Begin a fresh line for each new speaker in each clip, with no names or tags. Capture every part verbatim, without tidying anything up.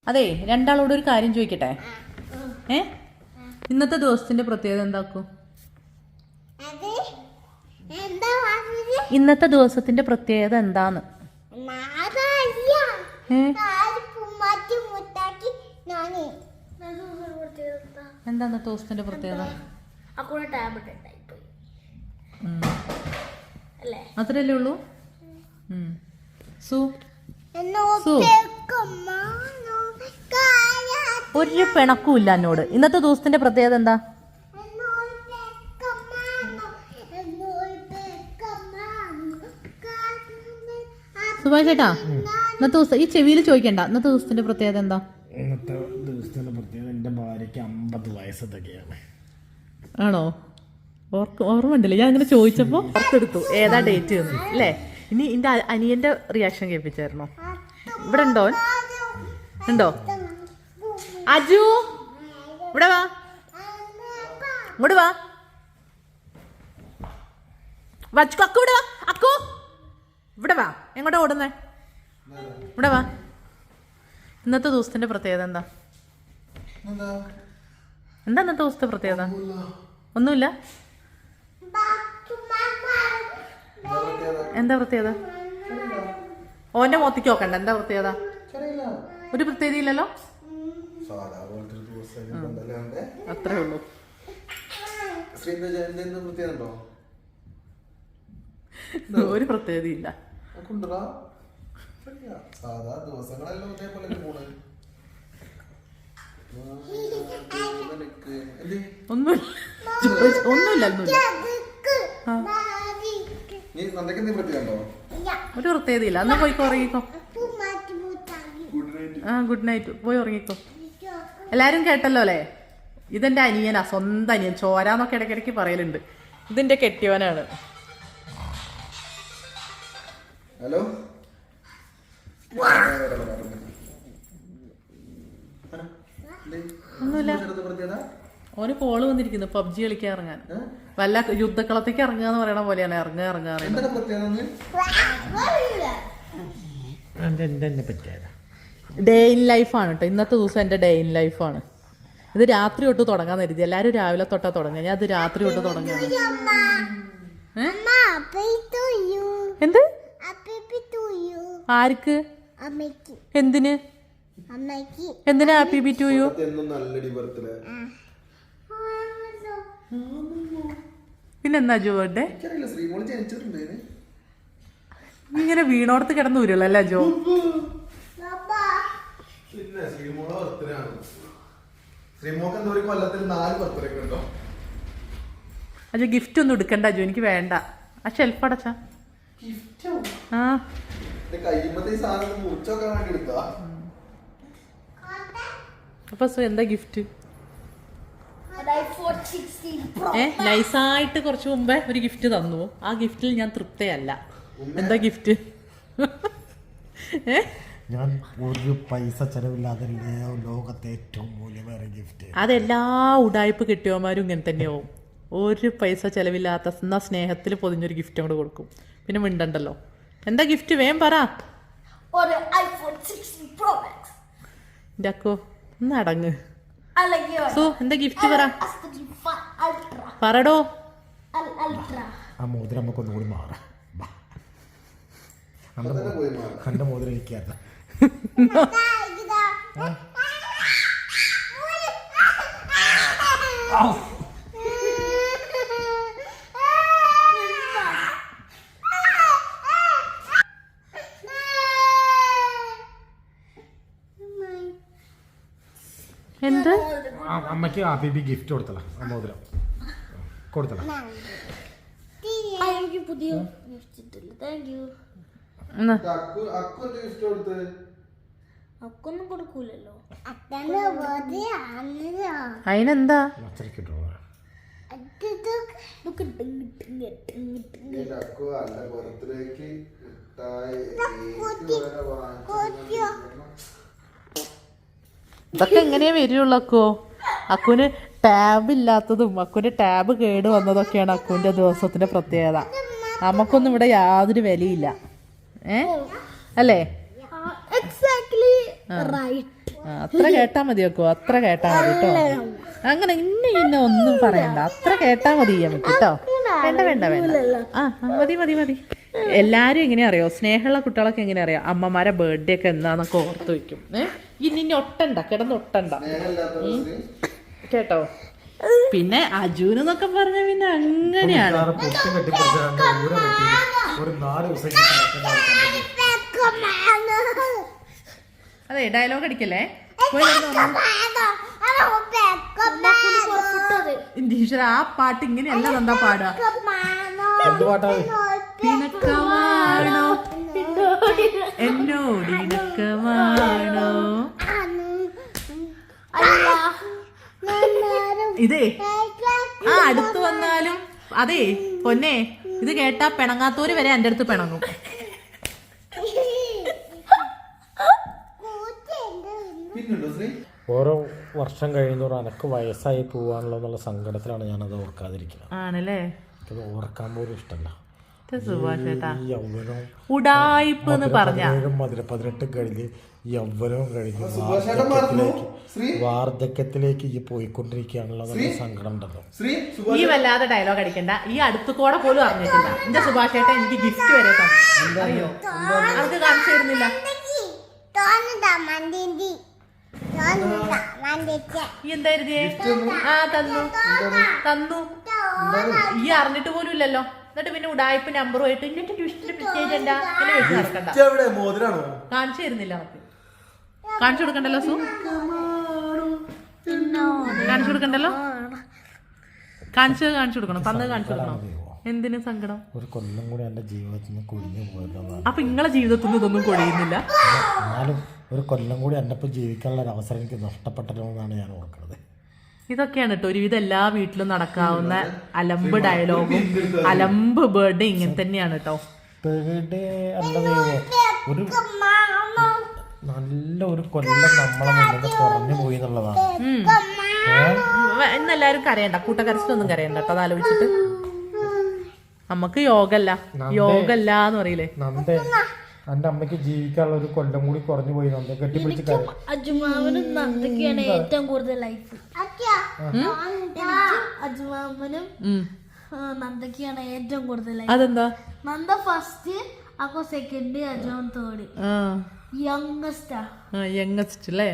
അതെ, രണ്ടാളോട് ഒരു കാര്യം ചോദിക്കട്ടെ. ഏ ഇന്നത്തെ ദിവസത്തിന്റെ പ്രത്യേകത എന്താക്കും? ഇന്നത്തെ ദിവസത്തിന്റെ പ്രത്യേകത എന്താന്ന്? എന്താ ഇന്നത്തെ ദിവസത്തിന്റെ പ്രത്യേകത? അത്രയല്ലേ ഉള്ളൂ? സു ഒരു പിണക്കും ഇല്ല എന്നോട്. ഇന്നത്തെ ദിവസത്തിന്റെ പ്രത്യേകത എന്താ? സുഭാഷ് ചേട്ടാ, ഇന്നത്തെ ദിവസം ഈ ചെവിയിൽ ചോദിക്കണ്ട. ഇന്നത്തെ ദിവസത്തിന്റെ പ്രത്യേകത എന്താ?
ഇന്നത്തെ ദിവസത്തിന്റെ പ്രത്യേകത എന്റെ ഭാര്യക്ക് അമ്പത് വയസ്സൊക്കെയാണ്.
ആണോ? ഓർക്ക് ഓർമ്മ ഉണ്ടല്ലേ? ഞാൻ അങ്ങനെ ചോദിച്ചപ്പോ ഓർത്തെടുത്തു ഏതാ ഡേറ്റ് അല്ലേ. ഇനി എന്റെ അനിയന്റെ റിയാക്ഷൻ കേൾപ്പിച്ചായിരുന്നോ? ഇവിടെ ഉണ്ടോ? ഉണ്ടോ? അജു ഇവിടെ വാ, ഇങ്ങോട്ട് വാ. വച്ചു അക്കു ഇവിടെ വാ. അക്കു ഇവിടെ വാ. എങ്ങോട്ടാ ഓടുന്നേ? ഇവിടെ വാ. ഇന്നത്തെ ദിവസത്തിന്റെ പ്രത്യേകത എന്താ? എന്താ ഇന്നത്തെ ദിവസത്തെ പ്രത്യേകത? ഒന്നുമില്ല. എന്താ പ്രത്യേകത? ഓന്റെ മോത്തിക്ക് നോക്കണ്ട. എന്താ പ്രത്യേകത? ഒരു പ്രത്യേകത ഇല്ലല്ലോ. അത്രേ ഉള്ളൂ. ഒരു പ്രത്യേകത ഇല്ല. ഒന്നുമില്ല, ഒന്നുമില്ല, ഒന്നുമില്ല. ഒരു പ്രത്യേകത ഇല്ല. എന്നാ പോയിക്കോ, ഉറങ്ങിക്കോ. ആ ഗുഡ് നൈറ്റ്. പോയി ഉറങ്ങിക്കോ. എല്ലാരും കേട്ടല്ലോ അല്ലേ? ഇതെന്റെ അനിയനാ, സ്വന്തം അനിയൻ. ചോരാന്നൊക്കെ ഇടയ്ക്കിടയ്ക്ക് പറയലുണ്ട്. ഇതിന്റെ കെട്ടിയവനാണ്.
ഹലോ,
ഒന്നുമില്ല. ഓന് കോള് വന്നിരിക്കുന്നു പബ്ജി കളിക്കാൻ ഇറങ്ങാൻ. വല്ല യുദ്ധക്കളത്തേക്ക് ഇറങ്ങുക എന്ന് പറയണ പോലെയാണ്. ഇറങ്ങുക ഇറങ്ങുക ഡേ ഇൻ ലൈഫാണ് കേട്ടോ. ഇന്നത്തെ ദിവസം എന്റെ ഡേ ഇൻ ലൈഫാണ്. ഇത് രാത്രി തൊട്ട് തുടങ്ങാൻ കരുതി. എല്ലാരും രാവിലെ തൊട്ടാ തുടങ്ങുക. ഞാൻ അത് രാത്രി തൊട്ട് തുടങ്ങുക. എന്ത്? ആർക്ക്? എന്തിന്? എന്തിനാ ഹാപ്പി ബി ടു യു? പിന്നെന്താ ജോ ബർത്ത്ഡേ? ഇങ്ങനെ വീണോടത്ത് കിടന്നു വരില്ല ജോ. അജോ ഗിഫ്റ്റ് ഒന്നും എടുക്കണ്ട ജോ, എനിക്ക് വേണ്ട. ആ ഷെൽഫ് അടച്ചാ. ആ അപ്പൊ എന്താ ഗിഫ്റ്റ്? ഏ നൈസായിട്ട് കുറച്ച് മുമ്പേ ഒരു ഗിഫ്റ്റ് തന്നു. ആ ഗിഫ്റ്റിൽ ഞാൻ തൃപ്തയല്ല. എന്താ ഗിഫ്റ്റ്? ഏ
ഞാൻ ഒരു പൈസ ചെലവില്ലാതെ ലോകത്തെ ഏറ്റവും മൂല്യമേറിയ ഗിഫ്റ്റ്.
അതെല്ലാ ഉടായ്പ കിട്ടിയവന്മാരും ഇങ്ങനെ തന്നെയാവും. ഒരു പൈസ ചെലവില്ലാത്ത എന്നാ സ്നേഹത്തിൽ പൊതിഞ്ഞൊരു ഗിഫ്റ്റ് അങ്ങോട്ട് കൊടുക്കും. പിന്നെ മിണ്ടണ്ടല്ലോ. എന്താ ഗിഫ്റ്റ്? വേം പറ. എൻ്റെ അക്കോ ഒന്ന് അടങ്ങ്. സോ എന്താ ഗിഫ്റ്റ് പറ. പറടോ.
ആ മോതിരം നമുക്കൊന്നും കൂടി മാറാം. കണ്ട മോതിരം ഇരിക്കാത്ത
എന്ത്?
അമ്മയ്ക്ക് ആ ബേബി ഗിഫ്റ്റ് കൊടുത്തല. ആ മോതിരം കൊടുത്തല.
അതിനെന്താ? ഇതൊക്കെ എങ്ങനെയാ വരുള്ളൂ അക്കോ? അക്കുവിന് ടാബ് ഇല്ലാത്തതും അക്കുവിന്റെ ടാബ് കേട് വന്നതൊക്കെയാണ് അക്കുവിന്റെ ദിവസത്തിന്റെ പ്രത്യേകത. നമുക്കൊന്നും ഇവിടെ യാതൊരു വിലയില്ല. ഏ അല്ലേ?
Exactly right.
ആ, അത്ര കേട്ടാ മതി വെക്കോ, അത്ര കേട്ടാ മതി കേട്ടോ. അങ്ങനെ ഇന്ന ഇന്ന ഒന്നും പറയണ്ട, അത്ര കേട്ടാ മതി നമുക്ക് കേട്ടോ. വേണ്ട വേണ്ട വേണ്ട ആ മതി മതി മതി. എല്ലാരും എങ്ങനെയാ അറിയോ, സ്നേഹമുള്ള കുട്ടികളൊക്കെ എങ്ങനെയാ അറിയാം, അമ്മമാരെ ബർത്ത്ഡേ ഒക്കെ എന്നാന്നൊക്കെ ഓർത്ത് വെക്കും. ഏഹ് ഇനി ഇനി ഒട്ടണ്ട, കിടന്ന് ഒട്ടണ്ട കേട്ടോ. പിന്നെ അജുന് എന്നൊക്കെ പറഞ്ഞ പിന്നെ അങ്ങനെയാണ്. അതെ ഡയലോഗ് അടിക്കല്ലേ ടീച്ചർ. ആ പാട്ട് ഇങ്ങനെയല്ല എന്താ പാടുക. പിണക്കമാണോ എന്നോട് ഇണക്കമാണോ. ഇതേ ആ അടുത്ത് വന്നാലും അതെ പൊന്നെ, ഇത് കേട്ടാ പിണങ്ങാത്തോര് വരെ എൻ്റെ അടുത്ത് പിണങ്ങും.
ഓരോ വർഷം കഴിയുന്നോറും അനക്ക് വയസ്സായി പോവാണല്ലോ എന്നുള്ള സങ്കടത്തിലാണ് ഞാനത് ഓർക്കാതിരിക്കുന്നത്.
ആണല്ലേ,
അത് ഓർക്കാൻ പോലും ഇഷ്ടമല്ല.
ഉടായിപ്പ് എന്ന് പറഞ്ഞ
മധുര പതിനെട്ട് കഴിഞ്ഞ് യൗവനവും കഴിഞ്ഞ് വാർദ്ധക്യത്തിലേക്ക് വാർദ്ധക്യത്തിലേക്ക് ഈ പോയിക്കൊണ്ടിരിക്കുകയാണല്ലോ നല്ല സങ്കടം ഉണ്ടല്ലോ.
ഈ വല്ലാതെ ഡയലോഗ് അടിക്കണ്ട. ഈ അടുത്ത് കൂടെ പോലും അറിഞ്ഞിട്ടില്ല എന്റെ സുഭാഷ് ചേട്ടൻ എനിക്ക് ഗിഫ്റ്റ് വരെ തന്നു. അറിയോ, അത് കാണിച്ചു തരുന്നില്ല. എന്തായിരുന്നേ? ആ തന്നു തന്നു ഈ അറിഞ്ഞിട്ട് പോലും ഇല്ലല്ലോ. എന്നിട്ട് പിന്നെ ഉടായ്പ നമ്പറുമായിട്ട് ഇന്നത്തെ ട്യൂഷന്റെ പ്രത്യേകിച്ച് എന്താ എന്നെ വെച്ച് നടക്കണ്ട. കാണിച്ചു തരുന്നില്ല നമുക്ക്. കാണിച്ചു കൊടുക്കണ്ടല്ലോ സു, കാണിച്ചു കൊടുക്കണ്ടല്ലോ. കാണിച്ചു കാണിച്ചു കൊടുക്കണം, തന്നത് കാണിച്ചു കൊടുക്കണം. എന്തിനു സങ്കടം?
ഒരു കൊല്ലം കൂടി എന്റെ ജീവിതത്തിൽ നിന്ന് കൊഴിഞ്ഞു പോയല്ലോ.
അപ്പൊ നിങ്ങളെ ജീവിതത്തിൽ നിന്ന് ഇതൊന്നും കൊഴിയുന്നില്ല.
എന്നാലും ഒരു കൊല്ലം കൂടി എന്നെ ഇപ്പൊ ജീവിക്കാനുള്ള ഒരു അവസരം എനിക്ക് നഷ്ടപ്പെട്ടല്ലോ എന്നാണ് ഞാൻ ഓർക്കുന്നത്.
ഇതൊക്കെയാണ് കേട്ടോ ഒരുവിധം എല്ലാ വീട്ടിലും നടക്കാവുന്ന അലമ്പ് ഡയലോഗും അലമ്പ് ബർത്ത്ഡേ ഇങ്ങനെ തന്നെയാണ് കേട്ടോ.
ബർത്ത്ഡേ അല്ല ദൈവം, ഒരു നല്ല ഒരു കൊല്ലം നമ്മളെ മുന്നിൽ കുറഞ്ഞു പോയി എന്നുള്ളതാണ്.
ഇന്നെല്ലാരും കരയണ്ട, കൂട്ടക്കരച്ചിലൊന്നും കരയണ്ട കേട്ടോ. അത് ആലോചിച്ചിട്ട് നമുക്ക് യോഗല്ല യോഗല്ല എന്ന് പറയില്ലേ.
നന്ദേ, എന്റെ അമ്മയ്ക്ക് ജീവിക്കാനുള്ള ഒരു കൊല്ലം കൂടി കുറഞ്ഞു പോയി. നന്ദ കെട്ടിപ്പിടിച്ച് കരയും.
അജുമാമനും നന്ദയ്ക്കാണ് ഏറ്റവും കൂടുതൽ ലൈഫ്. അജുമാമനും നന്ദയ്ക്കാണ് ഏറ്റവും കൂടുതൽ ലൈഫ്.
അതെന്താ?
നന്ദ ഫസ്റ്റ്, അപ്പൊ second, Ajuman third. Youngest
youngest അല്ലേ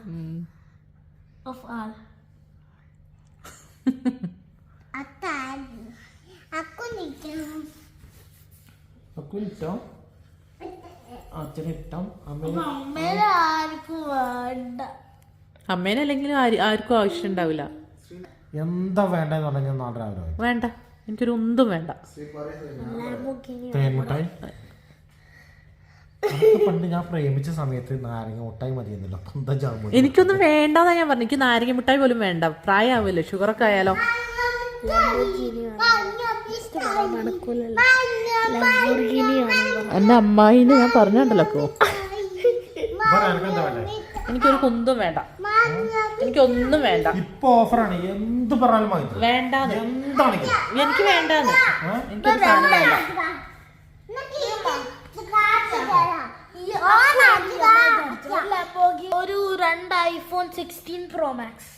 ഓഫ് ആൾ. അമ്മേനെ ആർക്കും വേണ്ട.
അമ്മേനെ അല്ലെങ്കിൽ ആർക്കും ആവശ്യം ഉണ്ടാവില്ല.
എന്താ വേണ്ടെന്ന് പറഞ്ഞാൽ നാളെ രാവിലെ
വേണ്ട, എനിക്കൊരു ഒന്നും വേണ്ട.
തേൻമുട്ടായി പണ്ട് ഞാൻ പ്രേമിച്ച സമയത്ത് നാരങ്ങ മുട്ടായി മതിയെന്നല്ലോ. എന്താ ജാമു?
എനിക്കൊന്നും വേണ്ടെന്നാ ഞാൻ പറഞ്ഞു. എനിക്ക് നാരങ്ങ മിഠായി പോലും വേണ്ട. പ്രായമാവില്ലേ, ഷുഗറൊക്കെ ആയാലോ. എന്റെ അമ്മായിന്ന് ഞാൻ പറഞ്ഞുണ്ടല്ലോ. എനിക്കൊരു കുന്തും വേണ്ട, എനിക്കൊന്നും വേണ്ട.
ഇപ്പൊ ഓഫറാണ്, എന്ത് പറഞ്ഞാലും മതി.
വേണ്ടാന്ന്,
എന്താണെങ്കിലും
എനിക്ക് വേണ്ടാന്ന്. എനിക്കൊരു സാധനം വേണ്ട.
ഒരു രണ്ട് ഐഫോൺ സിക്സ്റ്റീൻ പ്രോ മാക്സ്.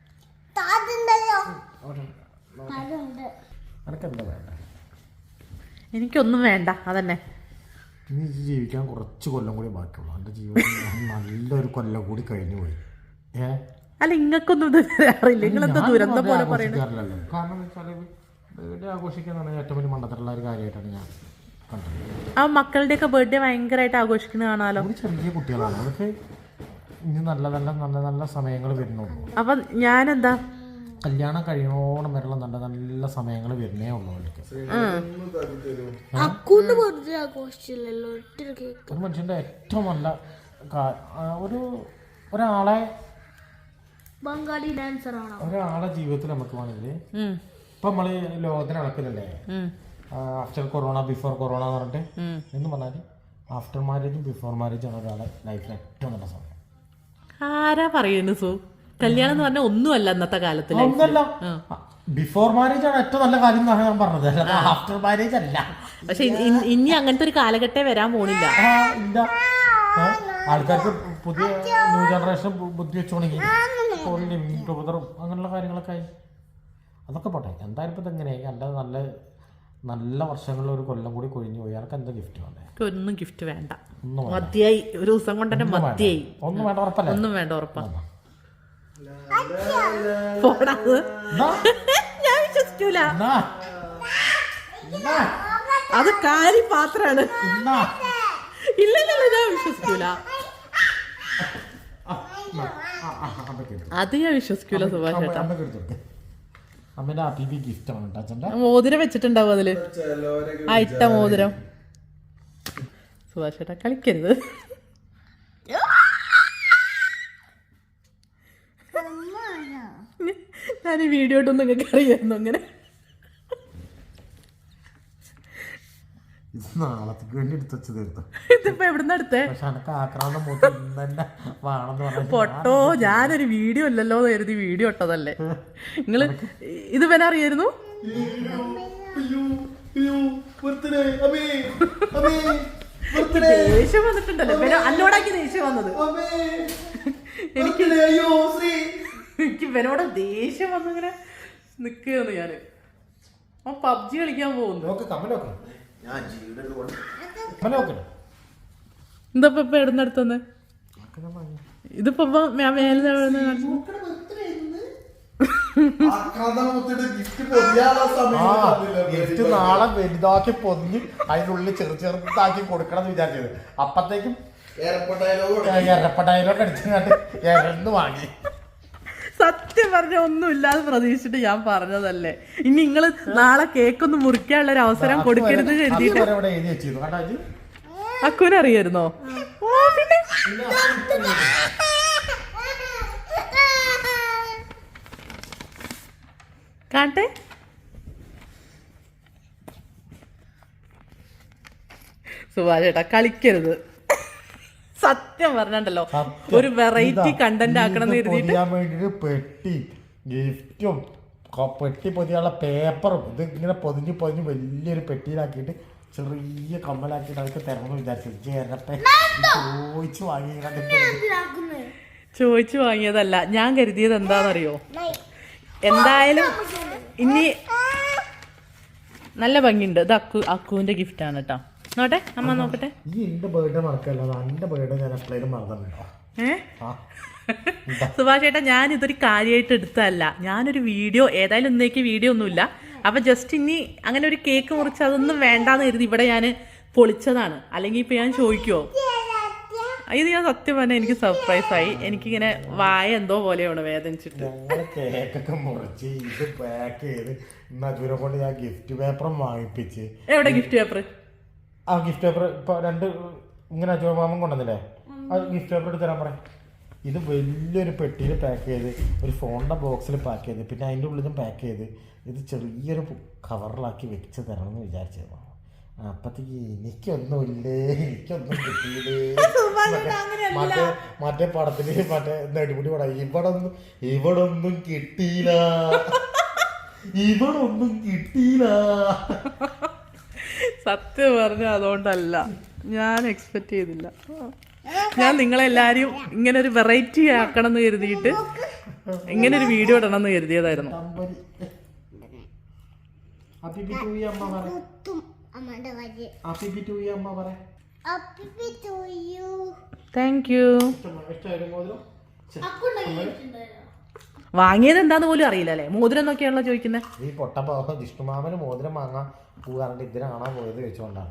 എനിക്കൊന്നും വേണ്ട, അതന്നെ.
ഇനി ജീവിക്കാൻ കുറച്ച് കൊല്ലം കൂടി ബാക്കിയുള്ളൂ. എൻ്റെ ജീവിതത്തിൽ നല്ലൊരു കൊല്ലം കൂടി കഴിഞ്ഞു പോയി. ഏ
അല്ല, ഇങ്ങക്കൊന്നും ഇത് അറിയില്ല. നിങ്ങളെന്താ ദുരന്ത പോലെ പറയുന്നത്?
കാരണം വെച്ചാൽ ബർത്ത്ഡേ ആഘോഷിക്കുന്ന ഏറ്റവും വലിയ മണ്ടത്തിലുള്ള ഒരു കാര്യമായിട്ടാണ് ഞാൻ കണ്ടത്.
ആ മക്കളുടെയൊക്കെ ബർത്ത്ഡേ ഭയങ്കരമായിട്ട് ആഘോഷിക്കുന്നത് കാണാലോ.
ഒരു ചെറിയ കുട്ടികളാണ്, അവർക്ക് ഇനി നല്ല നല്ല നല്ല നല്ല സമയങ്ങൾ വരുന്നുള്ളൂ.
അപ്പൊ ഞാനെന്താ
കല്യാണം കഴിയണോണം വരെയുള്ള നല്ല നല്ല സമയങ്ങൾ വരുന്നേ ഉള്ളൂ അവർക്ക്. ഒരു മനുഷ്യന്റെ ഏറ്റവും നല്ല ഒരു ഒരാളെ
ബംഗാളി ഡാൻസർ ആണോ
ഒരാളെ ജീവിതത്തിൽ നമുക്ക് വേണമെങ്കിൽ ഇപ്പൊ നമ്മള് ലോകത്തിന് നടക്കുന്നില്ലേ ആഫ്റ്റർ കൊറോണ ബിഫോർ കൊറോണ എന്ന് പറഞ്ഞിട്ട് എന്ന് പറഞ്ഞാല് ആഫ്റ്റർ മാരേജും ബിഫോർ മാരേജും ആണ് ഒരാളെ ലൈഫിൽ ഏറ്റവും നല്ല സമയം.
ആരാ പറയുന്നു സു? കല്യാണം എന്ന് പറഞ്ഞാൽ ഒന്നുമല്ല ഇന്നത്തെ കാലത്ത്.
ഒന്നല്ല, ബിഫോർ മാരേജ് ആണ് ഏറ്റവും നല്ല കാര്യം എന്നാണ് ഞാൻ പറഞ്ഞത്, ആഫ്റ്റർ മാരേജ് അല്ല.
പക്ഷെ ഇനി അങ്ങനത്തെ ഒരു കാലഘട്ടം വരാൻ പോണില്ല.
ഇല്ല, ആൾക്കാർക്ക് പുതിയ ന്യൂ ജനറേഷൻ ബുദ്ധി വെച്ചോണെങ്കിൽ ലിമിറ്റും അങ്ങനെയുള്ള കാര്യങ്ങളൊക്കെ ആയി. അതൊക്കെ പോട്ടെ. എന്തായാലും ഇപ്പം ഇതെങ്ങനെയായി എൻ്റെ നല്ല നല്ല വർഷങ്ങളിൽ ഒരു കൊല്ലം കൂടി കൊഴിഞ്ഞു പോയി. അതൊക്കെ എന്താ ഗിഫ്റ്റ് വേണ്ടേ?
ഒന്നും ഗിഫ്റ്റ് വേണ്ട, മതിയായി. ഒരു ദിവസം കൊണ്ട് തന്നെ മതിയായി.
ഒന്നും വേണ്ട, ഉറപ്പല്ലേ?
ഒന്നും വേണ്ട, ഉറപ്പാ. ഞാൻ വിശ്വസിക്കൂല, അത് കാരി പാത്രാണ്. ഇല്ലല്ലോ, ഞാൻ വിശ്വസിക്കൂല, അത് ഞാൻ വിശ്വസിക്കൂല സുഭാഷ് ചേട്ടാ.
അമ്മേന്റെ ഹാപ്പി ഗിഫ്റ്റ് ആണ് അച്ഛൻ്റെ.
മോതിരം വെച്ചിട്ടുണ്ടാവും അതില്, ആ ഇട്ട മോതിരം. സുഭാഷ് ചേട്ടാ കളിക്കരുത്. ഞാൻ ഈ വീഡിയോ ഇട്ടൊന്നും നിങ്ങൾക്ക് അറിയായിരുന്നു അങ്ങനെ.
ഇത് നാളത്തേക്ക് വേണ്ടി എടുത്ത് വെച്ച് തീർത്തു.
ഇതിപ്പോ എവിടുന്ന് എടുത്തേ?
പക്ഷെ എനക്ക് ആക്രാന്തം മൂത്ത് തന്നെ വേണമെന്ന് പറഞ്ഞു.
പൊട്ടോ, ഞാനൊരു വീഡിയോ ഇല്ലല്ലോ എന്ന് കരുതി വീഡിയോ ഇട്ടതല്ലേ. നിങ്ങള് ഇത് പിന്നെ അറിയായിരുന്നു? ദേഷ്യം വന്നിട്ടുണ്ടല്ലോ പിന്നെ അന്നോടാക്കി ദേഷ്യം വന്നത്. എനിക്ക് എനിക്ക് ഇവനോട് ദേഷ്യം വന്നിങ്ങനെ നിക്കുകയാണ് ഞാന്. ആ പബ്ജി കളിക്കാൻ പോകുന്നു. എന്താ ഇപ്പൊ എവിടുന്നെടുത്തന്ന്? ഇതിപ്പോ മേലെ
ഗിഫ്റ്റ് നാളെ വലുതാക്കി പൊതിഞ്ഞ് അതിനുള്ളിൽ ചെറു ചെറുതാക്കി കൊടുക്കണം എന്ന് വിചാരിച്ചത്. അപ്പത്തേക്കും എരപ്പ ഡയലോഗ് അടിച്ചിട്ട് എരന്ന് വാങ്ങി.
സത്യം പറഞ്ഞ ഒന്നും ഇല്ലാതെ പ്രതീക്ഷിച്ചിട്ട് ഞാൻ പറഞ്ഞതല്ലേ. ഇനി നിങ്ങള് നാളെ കേക്കൊന്ന് മുറിക്കാനുള്ള ഒരു അവസരം കൊടുക്കരുത് കരുതിയിട്ട്. അക്കുവിനറിയായിരുന്നോ? പിന്നെ കാട്ടെ സുഭാഷ് ചേട്ടാ കളിക്കരുത്. സത്യം പറഞ്ഞല്ലോ, ഒരു വെറൈറ്റി കണ്ടന്റ് ആക്കണം എന്ന് കരുതിയിട്ട്
പെട്ടി ഗിഫ്റ്റും പെട്ടി പൊതിയാനുള്ള പേപ്പറും ഇത് ഇങ്ങനെ പൊതിഞ്ഞ് പൊതിഞ്ഞ് വലിയൊരു പെട്ടിയിലാക്കിയിട്ട് ചെറിയ കമ്മലാക്കിയിട്ട് അതൊക്കെ തരണമെന്ന് വിചാരിച്ചു. ചോദിച്ചു വാങ്ങി
ചോദിച്ചു വാങ്ങിയതല്ല, ഞാൻ കരുതിയത് എന്താണെന്നറിയോ? എന്തായാലും ഇനി നല്ല ഭംഗിയുണ്ട്. ഇത് അക്കു അക്കുവിന്റെ ഗിഫ്റ്റ് ആണ് കേട്ടോ. നോട്ടെ അമ്മ നോക്കട്ടെ.
ഈ എന്റെ ബർത്ത്ഡേ മറക്കല്ല, എന്റെ ബർത്ത്ഡേ ഞാൻ എപ്പോഴും മറന്നിട്ടുണ്ടോ?
ഏഹ് സുഭാഷ് ചേട്ടാ, ഞാൻ ഇതൊരു കാര്യമായിട്ട് എടുത്തതല്ല. ഞാനൊരു വീഡിയോ, ഏതായാലും ഇന്നേക്ക് വീഡിയോ ഒന്നുമില്ല, അപ്പൊ ജസ്റ്റ് ഇനി അങ്ങനെ ഒരു കേക്ക് മുറിച്ച് അതൊന്നും വേണ്ടാന്ന് കരുതി ഇവിടെ ഞാൻ പൊളിച്ചതാണ്. അല്ലെങ്കിൽ ഇപ്പൊ ഞാൻ ചോദിക്കുവോ? ഇത് ഞാൻ സത്യം പറഞ്ഞാൽ എനിക്ക് സർപ്രൈസ് ആയി. എനിക്കിങ്ങനെ വായ എന്തോ പോലെയാണ് വേദനിച്ചിട്ട്.
കേക്കൊക്കെ മുറിച്ച് ഇത് പാക്ക് ചെയ്ത് അജൂരെ കൊണ്ട് ഞാൻ ഗിഫ്റ്റ് പേപ്പറും വാങ്ങിപ്പിച്ച്.
എവിടെ ഗിഫ്റ്റ് പേപ്പർ?
ആ ഗിഫ്റ്റ് പേപ്പർ ഇപ്പൊ രണ്ട് ഇങ്ങനെ അജൂർ മാമൻ കൊണ്ടുവന്നില്ലേ, ആ ഗിഫ്റ്റ് പേപ്പർ എടുത്ത് തരാൻ പറയാം. ഇത് വലിയൊരു പെട്ടിയിൽ പാക്ക് ചെയ്ത് ഒരു ഫോണിൻ്റെ ബോക്സിൽ പാക്ക് ചെയ്ത് പിന്നെ അതിൻ്റെ ഉള്ളിൽ നിന്നും പാക്ക് ചെയ്ത് ഇത് ചെറിയൊരു കവറിലാക്കി വെച്ച് തരണം എന്ന് വിചാരിച്ചത്. അപ്പത്തേക്ക് എനിക്കൊന്നുമില്ലേ, എനിക്കൊന്നും കിട്ടിയില്ലേ. മറ്റേ മറ്റേ പടത്തില് മറ്റേ നെടുമുടി പടം ഇവിടെ ഒന്നും ഇവിടെ ഒന്നും കിട്ടിയില്ല, ഇവിടെ ഒന്നും കിട്ടിയില്ല.
സത്യം പറഞ്ഞ അതുകൊണ്ടല്ല, ഞാൻ എക്സ്പെക്ട് ചെയ്തില്ല. ഞാൻ നിങ്ങളെല്ലാരും ഇങ്ങനെ ഒരു വെറൈറ്റി ആക്കണം എന്ന് കരുതിയിട്ട് ഇങ്ങനെ ഒരു വീഡിയോ ഇടണം എന്ന് കരുതിയതായിരുന്നു. Thank you. വാങ്ങിയത് എന്താന്ന് പോലും അറിയില്ല അല്ലേ? മോതിരം നോക്കിയാണല്ലോ ചോദിക്കുന്നത്.
ഈ പൊട്ടപ്പോ ജിഷ്ണുമാമന് മോതിരം വാങ്ങാൻ പോകാറുണ്ട്, ഇതിനെ കാണാൻ പോയത് വെച്ചുകൊണ്ടാണ്.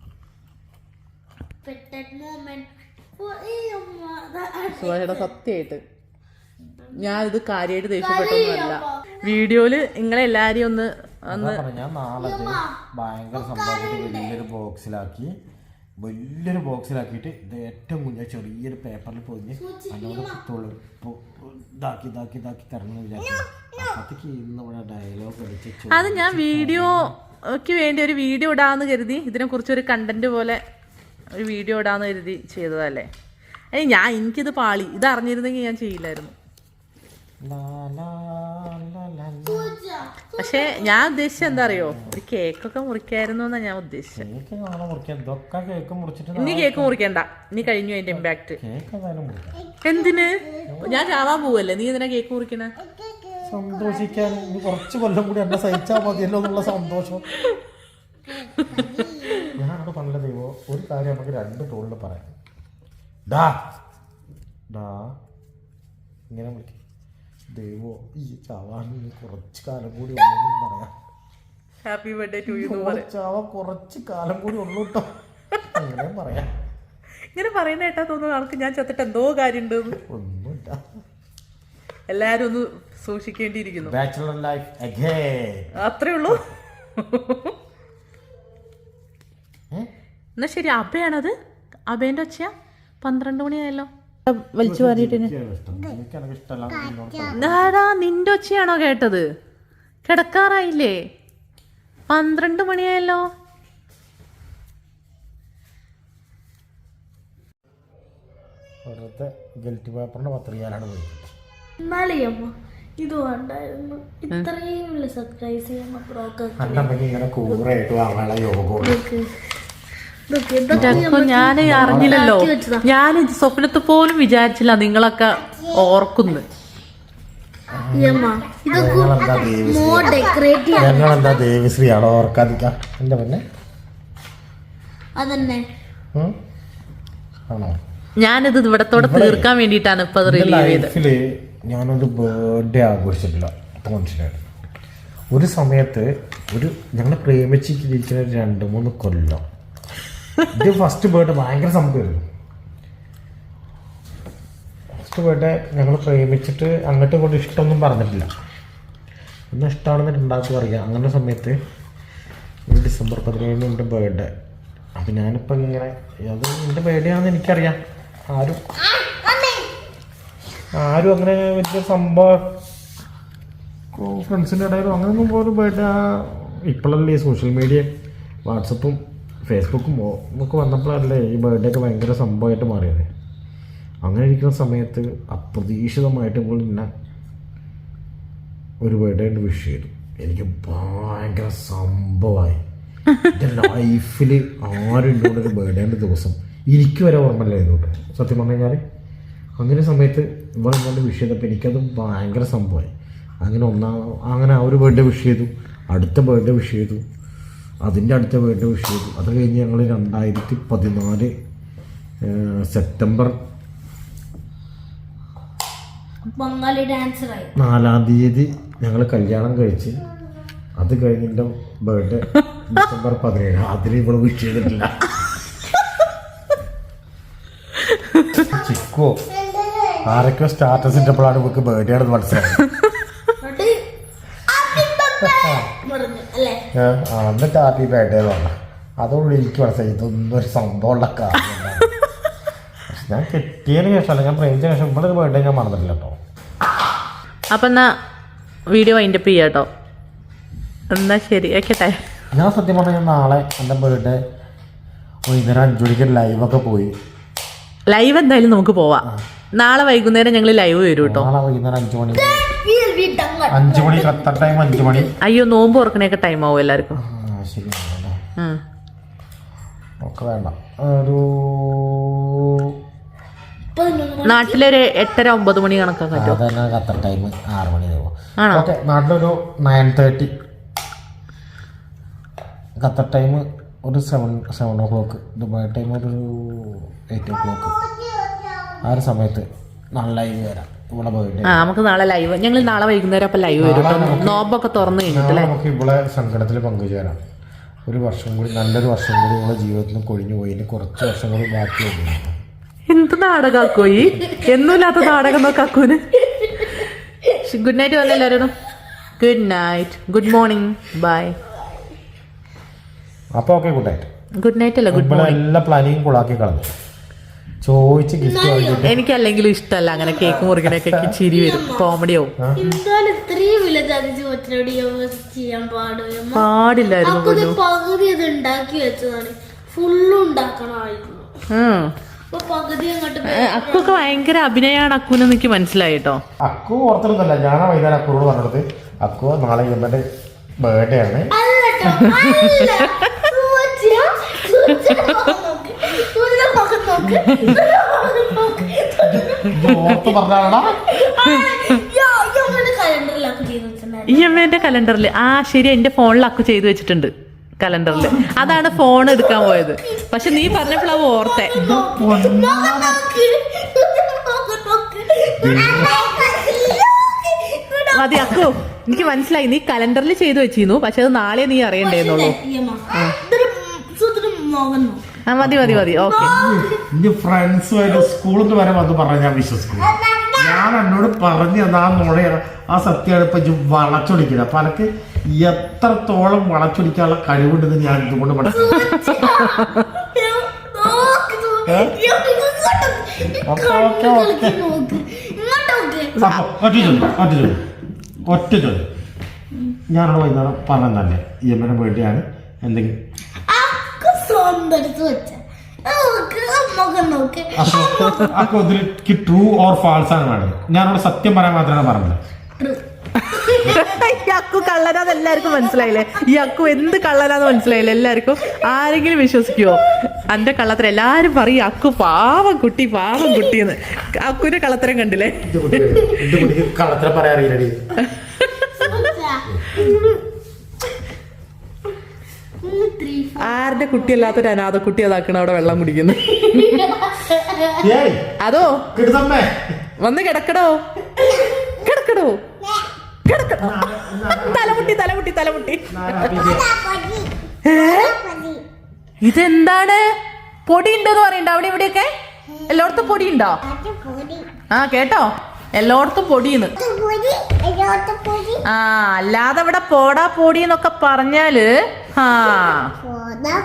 സുഭാഷേട്ടാ സത്യമായിട്ട് ഞാൻ ഇത് കാര്യമായിട്ട് ദേഷ്യപ്പെട്ടൊന്നുമല്ല. വീഡിയോയില് നിങ്ങളെല്ലാരെയും ഒന്ന്
ഞാൻ നാളെ ഭയങ്കര സംഭവത്തിൽ വലിയൊരു ബോക്സിലാക്കി വലിയൊരു ബോക്സിലാക്കിയിട്ട് ഇത് ഏറ്റവും കുഞ്ഞ ചെറിയൊരു പേപ്പറിൽ പൊതിഞ്ഞ് അതിനോട് ഇതാക്കി ഇതാക്കി ഇതാക്കി തരണം എന്ന് വിചാരിച്ചു. അപ്പത്തേക്ക് ഇന്ന് ഇവിടെ ഡയലോഗ് അടിച്ച്
അത് ഞാൻ വീഡിയോക്ക് വേണ്ടി ഒരു വീഡിയോ ഇടാന്ന് കരുതി, ഇതിനെ കുറിച്ചൊരു കണ്ടന്റ് പോലെ ഒരു വീഡിയോ ഇടാന്ന് കരുതി ചെയ്തതല്ലേ. ഏയ് ഞാൻ എനിക്കിത് പാളി, ഇത് അറിഞ്ഞിരുന്നെങ്കിൽ ഞാൻ ചെയ്യില്ലായിരുന്നു.
ലാ, ലാ, ലാ, ലാ, ലാ.
പക്ഷെ ഞാൻ ഉദ്ദേശിച്ചത് എന്താ അറിയോ, ഒരു കേക്കൊക്കെ മുറിക്കായിരുന്നു എന്നാ ഞാൻ ഉദ്ദേശിച്ചത്.
കേക്ക് നാളെ മുറിക്കാം. ഇതൊക്കെ കേക്ക് മുറിച്ചിട്ട്
ഇനി കേക്ക് മുറിക്കണ്ട, ഇനി കഴിഞ്ഞു അതിന്റെ ഇമ്പാക്ട്.
കേക്ക് ഏതായാലും മുറിക്കാം.
എന്തിന്? ഞാൻ ചാവാൻ പോവല്ലേ, നീ എന്തിനാ കേക്ക് മുറിക്കണേ?
സന്തോഷിക്കാൻ. ഇനി കുറച്ച് കൊല്ലം കൂടി എന്നെ സഹിച്ചാൽ മതിയല്ലോ എന്നുള്ള സന്തോഷം. ഞാനവിടെ പറഞ്ഞ ദൈവം ഒരു കാര്യം നമുക്ക് രണ്ട് ടോളിൽ പറയാം. ഡാ ഡാ ഇങ്ങനെ വിളിക്കും. ദൈവോ ഈ ചാവാൻ കുറച്ച് കാലം കൂടി ഉള്ളൂന്നും പറയാം.
Happy birthday to you.
ചാവാൻ കുറച്ച് കാലം കൂടി ഉള്ളൂ കേട്ടോ, അങ്ങനെ പറയാം.
ഇങ്ങനെ പറയുന്ന കേട്ടാ തോന്നുന്നു ആൾക്ക് ഞാൻ ചത്തിട്ട് എന്തോ കാര്യം ഉണ്ട്.
ഒന്നുമില്ല,
എല്ലാരും ഒന്ന് സൂക്ഷിക്കേണ്ടിയിരിക്കുന്നു.
Bachelor life again.
അത്രേ ഉള്ളൂ. എന്നാ ശരി, അബയാണത്? അബേന്റെ ഒച്ചയാ? പന്ത്രണ്ട് മണിയായല്ലോ. വലിച്ചു വാരിട്ടിന്. നിന്റെ ഒച്ചയാണോ കേട്ടത്? കിടക്കാറായില്ലേ? പന്ത്രണ്ട് മണിയായല്ലോ.
വെറുതെ ഗിൽറ്റ് പേപ്പറിന്റെ പത്രികയിലാണ് പോയി.
എന്നാലേ അമ്മ ഇത് വേണ്ടായിരുന്നു, ഇത്രയും വലിയ സർപ്രൈസ് ചെയ്യാൻ ബ്രോക്ക്.
അന്നമ്മക്ക് ഇങ്ങനെ കൂറായിട്ട് വാങ്ങാനുള്ള യോഗം.
ഞാൻ അറിഞ്ഞില്ലല്ലോ, ഞാൻ സ്വപ്നത്ത് പോലും വിചാരിച്ചില്ല നിങ്ങളൊക്കെ ഓർക്കുന്നു.
ഞങ്ങളെന്താ ദേവിശ്രീയാണോ ഓർക്കാതിരിക്കാം എന്റെ പിന്നെ?
അതന്നെ
ആണോ?
ഞാനിത് ഇവിടത്തോടെ തീർക്കാൻ വേണ്ടിയിട്ടാണ് ഇപ്പൊ
ലൈഫില് ഞാനൊരു ബർത്ത്ഡേ ആഘോഷിച്ചിട്ടില്ല. അപ്പൊ മനസ്സിലായി. ഒരു സമയത്ത് ഒരു ഞങ്ങൾ പ്രേമിച്ചിരിക്കുന്ന ഒരു രണ്ട് മൂന്ന് കൊല്ലം ഇത് ഫസ്റ്റ് ബർത്ത്ഡേ ഭയങ്കര സംഭവമായിരുന്നു. ഫസ്റ്റ് ബർത്ത്ഡേ ഞങ്ങൾ പ്രേമിച്ചിട്ട് അങ്ങോട്ടും ഇങ്ങോട്ടും ഇഷ്ടമൊന്നും പറഞ്ഞിട്ടില്ല. ഒന്ന് ഇഷ്ടമാണെന്ന് ഉണ്ടാക്കി പറയാം. അങ്ങനെ സമയത്ത് ഈ ഡിസംബർ പതിനേഴിന് എൻ്റെ ബർത്ത്ഡേ. അപ്പം ഞാനിപ്പോൾ ഇങ്ങനെ അത് എൻ്റെ ബർത്ത്ഡേ ആണെന്ന് എനിക്കറിയാം. ആരും ആരും അങ്ങനെ വലിയ സംഭവം ഫ്രണ്ട്സിൻ്റെ ഇടയിലും അങ്ങനെയൊന്നും പോലും ബർത്ത്ഡേ ഇപ്പോഴല്ലേ സോഷ്യൽ മീഡിയ വാട്സപ്പും ഫേസ്ബുക്കും ഒക്കെ വന്നപ്പോഴല്ലേ ഈ ബർത്ത്ഡേ ഒക്കെ ഭയങ്കര സംഭവമായിട്ട് മാറിയത്. അങ്ങനെ ഇരിക്കുന്ന സമയത്ത് അപ്രതീക്ഷിതമായിട്ട് ഇപ്പോൾ എന്നെ ഒരു ബർത്ത്ഡേ വിഷ് ചെയ്തു. എനിക്ക് ഭയങ്കര സംഭവമായി. എൻ്റെ ലൈഫിൽ ആരും എന്നോട് ഒരു ബർത്ത്ഡേൻ്റെ ദിവസം എനിക്ക് വരെ ഓർമ്മയില്ലായിരുന്നു കേട്ടോ, സത്യം പറഞ്ഞു കഴിഞ്ഞാൽ. അങ്ങനെ സമയത്ത് ഇവിടെ എന്നോട് വിഷ് ചെയ്തപ്പോൾ എനിക്കത് ഭയങ്കര സംഭവമായി. അങ്ങനെ ഒന്നാം അങ്ങനെ ആ ഒരു ബർത്ത്ഡേ വിഷ് ചെയ്തു, അടുത്ത ബർത്ത്ഡേ വിഷ് ചെയ്തു, അതിൻ്റെ അടുത്ത ബർത്ത്ഡേ വിഷ് ചെയ്തു. അത് കഴിഞ്ഞ് ഞങ്ങൾ രണ്ടായിരത്തി പതിനാല് സെപ്റ്റംബർ
ബംഗാളി ഡാൻസറായി
നാലാം തീയതി ഞങ്ങൾ കല്യാണം കഴിച്ച്. അത് കഴിഞ്ഞ് എൻ്റെ ബർത്ത്ഡേ ഡിസംബർ പതിനേഴ്. അതിന് ഇവിടെ വിഷ് ചെയ്തിട്ടില്ല. ചിക്കോ ആരൊക്കെ സ്റ്റാറ്റസ് ഇട്ടപ്പോഴാണ് ഇവർക്ക് ബർത്ത്ഡേ ആണെന്ന് മനസ്സിലായത്. എന്നിട്ട് ഹാപ്പി ബർത്ത്ഡേ പറഞ്ഞു. അതോടുകൂടി എനിക്ക് മനസ്സിലായി ഇതൊന്നും ഒരു സംഭവമുള്ള കാര്യമാണ്. പക്ഷെ ഞാൻ കെട്ടിയതിന് ശേഷമല്ല, ഞാൻ പ്രേമിച്ച ശേഷം ഇവിടെ ഒരു ബർത്ത്ഡേ ഞാൻ മറന്നിട്ടില്ല കേട്ടോ.
അപ്പം എന്നാ വീഡിയോ വൈൻഡപ്പ് ചെയ്യാം കേട്ടോ. എന്നാ ശരി, വെക്കട്ടെ.
ഞാൻ സത്യം പറഞ്ഞാൽ ഞാൻ നാളെ എൻ്റെ ബർത്ത്ഡേ വൈകുന്നേരം അഞ്ചു മണിക്ക് ലൈവൊക്കെ പോയി.
ലൈവ് എന്തായാലും നമുക്ക് പോവാം. നാളെ വൈകുന്നേരം ഞങ്ങൾ ലൈവ് വരും കേട്ടോ.
നാളെ വൈകുന്നേരം അഞ്ചു മണി അഞ്ചു മണി ഖത്തർ ടൈം അഞ്ചു മണി.
അയ്യോ, നോമ്പ് തുറക്കണേക്കെ ടൈം ആവും എല്ലാവർക്കും.
ശരിയാണല്ലേ? ഒക്കെ വേണ്ട. ഒരു
നാട്ടിലൊരു എട്ടര ഒമ്പത് മണി കണക്കാക്കാൻ പറ്റും.
അതന്നെ ഖത്തർ ടൈം ആറ് മണി ആവും. ഓക്കെ, നാട്ടിലൊരു നയൻ തേർട്ടി, ഖത്തർ ടൈം ഒരു seven seven o'clock, Dubai time ഒരു എയ്റ്റ് ഓ ക്ലോക്ക്. ആ ഒരു സമയത്ത് നാളെ ലൈവ് വരാം ഇവിടെ പോയിട്ട്.
ആ, നമുക്ക് നാളെ ലൈവ്, ഞങ്ങൾ നാളെ വൈകുന്നേരം അപ്പം ലൈവ് വരും. നോമ്പൊക്കെ തുറന്നു കഴിഞ്ഞിട്ടല്ലേ
നമുക്ക് ഇവിടെ സങ്കടത്തിൽ പങ്കുചേരാം. ഒരു വർഷം കൂടി, നല്ലൊരു വർഷം കൂടി നമ്മുടെ ജീവിതത്തിൽ കൊഴിഞ്ഞു പോയി. ഇനി കുറച്ച് വർഷം കൂടി ബാക്കിയുണ്ട്.
എന്ത് നാടകാക്കോയി, എന്നൂല്ലാത്ത നാടകം നോക്കാക്കൂന്. ഗുഡ് നൈറ്റ് വന്ന എല്ലാവരോടും good night, good morning, bye.
അപ്പോൾ okay, good night.
Good night അല്ല, ഗുഡ് മോർണിംഗ്.
എല്ലാ പ്ലാനിങ്ങും കുളാക്കി കളഞ്ഞു. ചോദിച്ച് ഗിഫ്റ്റ് വാങ്ങിയിട്ട്
എനിക്ക് അല്ലെങ്കിലും ഇഷ്ടമല്ല അങ്ങനെ കേക്ക് മുറിക്കണൊക്കെ. ചിരി വരും, കോമഡി ആവും. പാടില്ലായിരുന്നു.
പകുതി അത് ഉണ്ടാക്കി വെച്ചതാണ്, ഫുള്ള് ഉണ്ടാക്കണമായിരുന്നു. അപ്പൊ പകുതി അങ്ങോട്ട്
അക്കൊക്കെ ഭയങ്കര അഭിനയാണ് അക്കുന്ന് എനിക്ക് മനസ്സിലായി കേട്ടോ.
അക്കു ഓർത്തൊന്നുമല്ല, ഞാനാ വൈകുന്നേരം അക്കുനോട് പറഞ്ഞത് അക്കു നാളെ ഇവന്റെ ബർത്ത്ഡേ ആണ്.
അല്ലട്ടോ, അല്ല. സൂചിയ, സൂചിയ മുഖം നോക്ക്. സൂചിയുടെ മുഖം നോക്ക്. സൂചിയുടെ മുഖം നോക്ക്.
ഇത് ഓർത്ത് പറഞ്ഞാടാ.
യോ, യോ, ഇങ്ങനെ കലണ്ടറിലൊക്കെ ചെയ്ത് വെച്ചിട്ടുണ്ടായിരുന്നു.
ഈ അമ്മേന്റെ കലണ്ടറിൽ ആ ശരി എന്റെ ഫോണിൽ അക്കു ചെയ്തു വെച്ചിട്ടുണ്ട് കലണ്ടറിൽ. അതാണ് ഫോൺ എടുക്കാൻ പോയത്. പക്ഷെ നീ പറഞ്ഞപ്പോഴാ ഓർത്തെ.
മുഖം നോക്ക്. മുഖം നോക്ക്.
മതി അക്കു, എനിക്ക് മനസ്സിലായി നീ കലണ്ടറിൽ ചെയ്തു വെച്ചിരുന്നു. പക്ഷെ അത് നാളെ നീ അറിയണ്ടേന്നുള്ളൂ.
ഇതൊരു സൂചിയുടെ മുഖം നോക്ക്.
ആ മതി മതി മതി ഓക്കെ.
എന്റെ ഫ്രണ്ട്സുമായിട്ട് സ്കൂളിൽ നിന്ന് വരെ വന്ന് പറഞ്ഞാൽ ഞാൻ വിശ്വസിക്കും. ഞാൻ എന്നോട് പറഞ്ഞു തന്ന ആ നുണയാണ്, ആ സത്യമാണ് ഇപ്പൊ വളച്ചൊടിക്കുന്നത്. അപ്പൊ എനിക്ക് എത്രത്തോളം വളച്ചൊടിക്കാനുള്ള കഴിവുണ്ടെന്ന് ഞാൻ ഇതുകൊണ്ട് മനസ്സിലാക്കി. ഒറ്റ ചോദ്യം ഒറ്റ ചോദ്യം ഒറ്റ ചോദ്യം ഞാനോട് വൈകുന്നേരം പറഞ്ഞല്ലേ ഈ എമ്മനെ വേണ്ടിയാണ് എന്തെങ്കിലും അപ്പൊ ഇതിലേക്ക് ട്രൂ ഓർ ഫാൾസ് ആണ് വേണ്ടത്. ഞാനോട് സത്യം പറയാൻ മാത്രമാണ് പറഞ്ഞത്.
ഈ അക്കു കള്ളനാന്ന് എല്ലാവർക്കും മനസ്സിലായില്ലേ? ഈ അക്കു എന്ത് കള്ളനാന്ന് മനസ്സിലായില്ലേ എല്ലാവർക്കും? ആരെങ്കിലും വിശ്വസിക്കുവോ അന്റെ കള്ളത്തരം? എല്ലാരും പറയും അക്കു പാവം കുട്ടി പാവം കുട്ടിന്ന്. അക്കുവിന്റെ കള്ളത്തരം കണ്ടില്ലേ?
കള്ളത്തരം പറയാൻ അറിയില്ലടി.
ആരുടെ കുട്ടിയല്ലാത്തൊരു അനാഥ കുട്ടി അതാക്കണ അവിടെ വെള്ളം കുടിക്കുന്നു. അതോ വന്ന് കിടക്കടോ കിടക്കടോ കിടക്കടോ. തലമുട്ടി തലമുട്ടി തലമുട്ടി. ഇതെന്താണ്? പൊടി ഉണ്ടെന്ന് പറയണ്ട അവിടെ ഇവിടെയൊക്കെ? എല്ലായിടത്തും പൊടി ഉണ്ടോ? ആ കേട്ടോ, എല്ലായിടത്തും പൊടിയെന്ന്. ആ അല്ലാതെ ഇവിടെ പോടാ പൊടി എന്നൊക്കെ പറഞ്ഞാല് ആ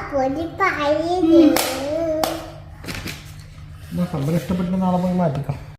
ഇഷ്ടപ്പെട്ട നാളെ പോയി മാറ്റിക്കാം.